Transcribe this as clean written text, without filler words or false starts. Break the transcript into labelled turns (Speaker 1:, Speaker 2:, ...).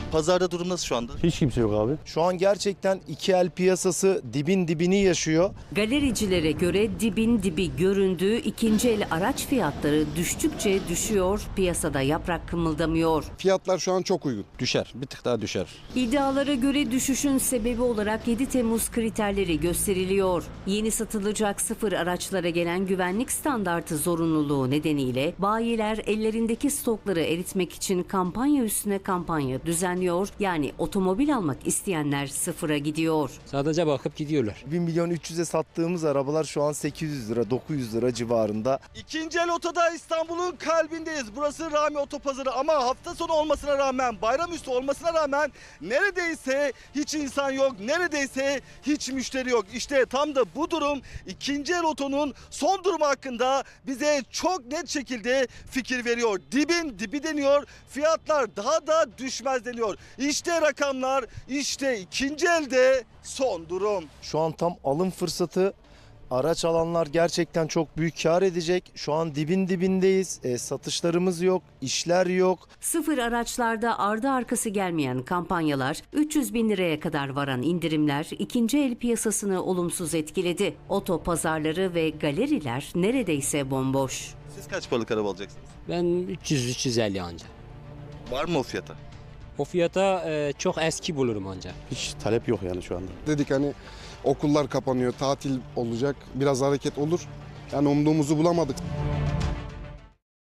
Speaker 1: Pazarda durum nasıl şu anda?
Speaker 2: Hiç kimse yok abi.
Speaker 3: Şu an gerçekten iki el piyasası dibin dibini yaşıyor.
Speaker 4: Galericilere göre dibin dibi göründüğü ikinci el araç fiyatları düştükçe düşüyor, piyasada yaprak kımıldamıyor.
Speaker 5: Fiyatlar şu an çok uygun.
Speaker 6: Düşer, bir tık daha düşer.
Speaker 4: İddialara göre düşüşün sebebi olarak 7 Temmuz kriterleri gösteriliyor. Yeni satılacak sıfır araçlara gelen güvenlik standartı zorunluluğu nedeniyle bayiler ellerindeki stokları eritmek için kampanya üstüne kampanya düzenliyor. Yani otomobil almak isteyenler sıfıra gidiyor.
Speaker 7: Sadece bakıp gidiyorlar.
Speaker 3: 1 milyon 300'e sattığımız arabalar şu an 800 lira 900 lira civarında.
Speaker 1: İkinci el otoda İstanbul'un kalbindeyiz. Burası Rami Otopazarı ama hafta sonu olmasına rağmen, bayramüstü olmasına rağmen neredeyse hiç insan yok, neredeyse hiç müşteri yok. İşte tam da bu durum ikinci el otonun son durumu hakkında bize çok net şekilde fikir veriyor. Dibin dibi deniyor, fiyatlar daha da düşmez deniyor. İşte rakamlar, işte ikinci elde son durum.
Speaker 3: Şu an tam alım fırsatı. Araç alanlar gerçekten çok büyük kar edecek. Şu an dibin dibindeyiz. Satışlarımız yok, işler yok.
Speaker 4: Sıfır araçlarda ardı arkası gelmeyen kampanyalar, 300 bin liraya kadar varan indirimler ikinci el piyasasını olumsuz etkiledi. Oto pazarları ve galeriler neredeyse bomboş.
Speaker 1: Siz kaç paralık araba alacaksınız?
Speaker 7: Ben 300-350 anca.
Speaker 1: Var mı o fiyata?
Speaker 7: O fiyata çok eski bulurum anca.
Speaker 2: Hiç talep yok yani şu anda.
Speaker 5: Dedik hani okullar kapanıyor, tatil olacak, biraz hareket olur. Yani umduğumuzu bulamadık.